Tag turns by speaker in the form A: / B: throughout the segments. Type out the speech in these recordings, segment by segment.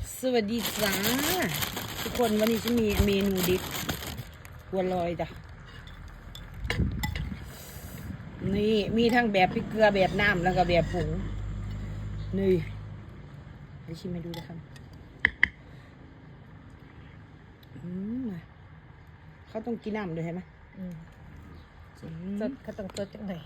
A: สวัสดีจ้าทุกคนวันนี้จะมีเมนูดิบบัวลอยจ้ะนี่มีทั้งแบบพริกเกลือแบบน้ำแล้วก็แบบผงนี่ไปชิมให้ดูนะครับมาเขาต้องกินน้ำด้วยใช่ไหม
B: สดเขาต้องสดจังไหน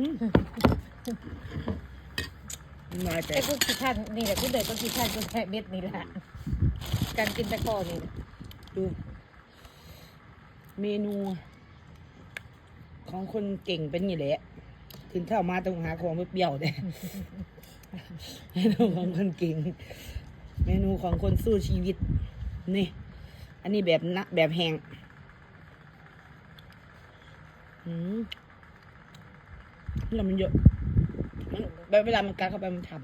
A: มาแต่
B: ไอ้พวกขี้ท่านนี่แหละที่เด็กก็ขี้ท่านก็แค่เม็ดนี่แหละการกินตะกอนี่นะ
A: ดูเมนูของคนเก่งเป็นอย่างนี้แหละถึงเข้ามาต้องหาของไม่เปรี้ยวเนี่ย เมนูของคนเก่ง เมนูของคนสู้ชีวิตนี่อันนี้แบบนะแบบแห้งแล้วมันเยอะมันเวลามันกัดเข้าไปมันทำ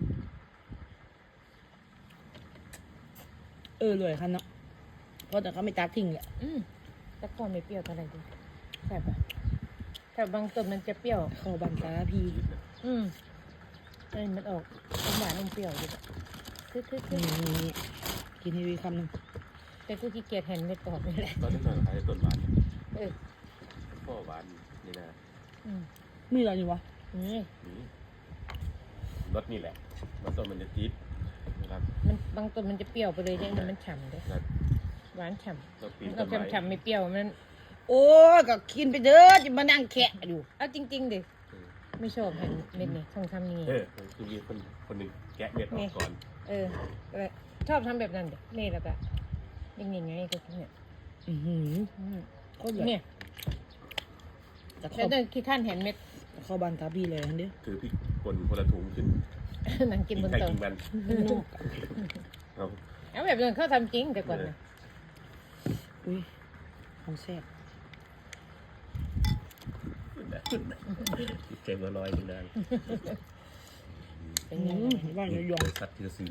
A: เลยค่ะเนาะเพราะแต่เขาไม่ตัดทิ้งแหละ
B: ตะกอไม่เปรี้ยวเท่าไหร่ดิ
A: แซ่บอะ
B: แต่บางต้นมันจะเปรี้ยว
A: เข้าบันตาพี
B: มันออกหวานอมเปรี้ยวดิคือ
A: นี่กินให้วีคำหนึ่ง
B: แต่กูขี้เกียจเห็นเม็ดออกนี่แหละ
C: ตอนนี้หน่อยใครต้นหวาน
B: เออ
C: พ่อหวานนี่นะ
A: มีอะไรอยู่วะ
B: นี่
C: นี่รสนี่แหละรสต้นมันจะจี๊ดนะครับ
B: มันบางต้นมันจะเปรี้ยวไปเลยเนี่ยมันฉ่ำเลย
C: แล้ว
B: หวานฉ่
C: ก็ปีน
B: ำ
C: ต้
B: เรา
C: นไม้
B: ฉ่ำไม่เปรี้ยวมัน
A: โอ้ยก็กินไปเด้อจะมานั่งแคะอยู่
B: เอาจริงๆดิไม่ชอบเห็นเม็ดนี่ต้องทำนี่
C: คือมีคนหนึ่งแกะเม็ดออกก่อน
B: ชอบทำแบบนั้นเด็กนี่แล้วก็ยังไงก็เนี่ย
A: โคตรแบบ
B: เนี่ย
A: แต่
B: แล้วเดินขี้ท่านเห็นเม็ด
A: เข้าบันตาพีเลยอันเดียว
C: ถือพริกป่นคนละถุงขึ้น
B: นั่งกินบน
C: ใคร
B: โต๊ะ
C: กินมันเอา
B: เอาแบบนั้นเขาทำจริงแต่ก่อนนะ
A: อุ้ยของแซ่บ
C: เจมลอยกินได้
B: เป็นไง
A: ว่างยอง
C: สัตว์ที่จะซื้อ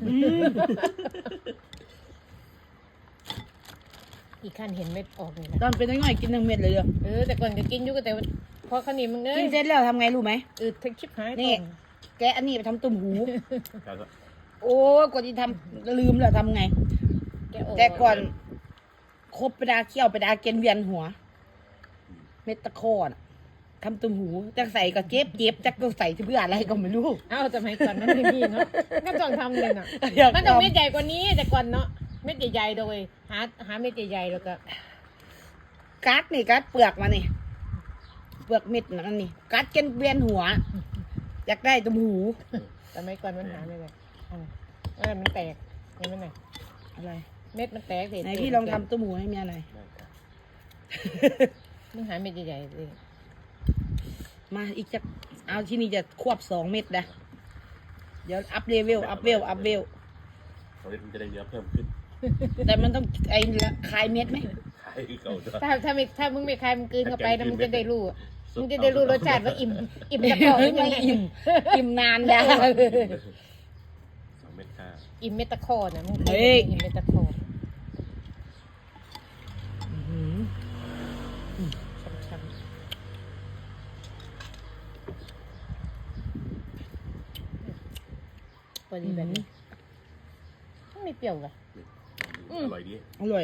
B: อีกขั้นเห็นเม็ดออกนี่แหละ
A: ตอนเป็นน้อยๆกินทั้งเม็ดเลยเด้อ
B: แต่ก่อนก็กินอยู่ก็แต่พอขนี้มึงเนย
A: กินเสร็จแล้วทำไงรู้ไหม
B: ทั้งชิบหาย
A: นี่ แกะอันนี้ไปทำตุ่มหู
C: แล้วก็
A: โอ้ยกว่าที่ทำลืมแล้วทำไง
B: แกออก
A: แต่ก่อนคบไปดาเขี้ยวไปดาเกณฑ์เวียนหัว เม็ดตะโคอนทำตุ่มหูจะใส่ก็เจ็บจะก็ใส่เพื่ออะไรก็ไม่รู้
B: เอ้าสมัยก่อนมันไม่มีเนาะก็ต้องทำเลยน่ะมันต้องเม็ดใหญ่กว่านี้แต่ก่อนเนาะเม็ดใหญ่ๆโดยหาเม็ดใหญ่ๆแล้วก็
A: กัดนี่กัดเปลือกมานี่เปลือกเม็ดนั่นนี่กัดเกณฑ์เวียนหัว อยากได้ตุ่มหู
B: สมัยก่อนมันหาไม่ได้มันแตกเห็นไหมน่ะ
A: อะไร
B: เม็ดมันแตกเด็ด
A: ไหนพี่ลองทำตุ่มหูให้เมียหน่อย
C: ได้ครับ
B: มึงหาเม็ดใหญ่ๆเลย
A: มาอีกจะเอาที่นี่จะควบ2 เม็ดนะเดี๋ยวอัพเลเวล
C: ตอนนี้มันจะได้เนื้อเพิ่มขึ้น
A: แต่มันต้องคลายเม็ดไหม
C: ขายเก่าด้วย
B: ถ้ามึงไม่คายมึงกลืนเข้าไปนะมึงจะได้รู้มึงจะได้รู้รสชาติว่าอิ่มตะกอ
A: ไม่
B: ยังไง
A: อิ่มนานแล้ว
C: 2 เม็ดค่ะ
B: อิ่มเมตาคอนะมึง
A: เฮ้ย
B: อิ่มเมตาคอช้ำๆพอดีแบบนี้ไม่เปรี้ยวเลย
C: อร่อยดี
A: อร่อย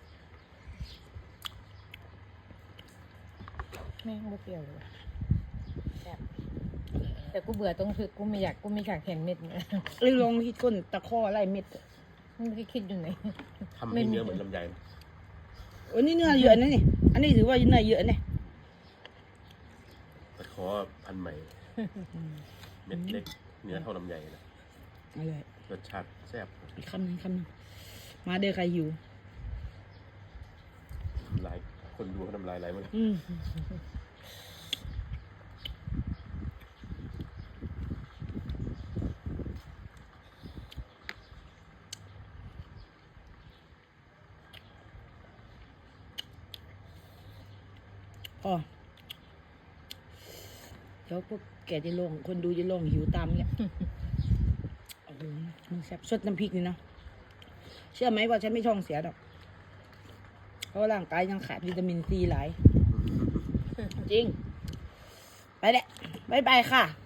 B: ไม่เปรี้ยวเลยแบบแต่กูเบื่อตรงคือกูไม่อยากเห็นเม็ดนะ
A: ลองที่ก้นตะข้อไล่เม็ด
B: มึงไม่ได้คิดอยู่ไหน
C: ทำให้เนื้อเหมือนลำไย
A: โอ้นี่เนื้อเยอะนะนี่อันนี้ถือว่าเนื้อเยอะเนี่ย
C: ตะขอพันธุ์ใหม่ เม็ดเล็ก เนื้อเท่าลำไยนะ
A: อร่อย
C: รสชาติแซ่บ
A: อีกคำหนึ่งมาเด้อใครหิว
C: ลายคนดูเขาทำลายไหลหมด
A: อ๋อเดี๋ยวพวกแกจะลงคนดูจะลงหิวตามเนี่ยโอ้โหมันแซ่บสดน้ำพริกนี่เนาะเชื่อไหมว่าฉันไม่ท้องเสียดอกเพราะร่างกายยังขาดวิตามินซีหลาย จริง ไปแหละบ๊ายบายค่ะ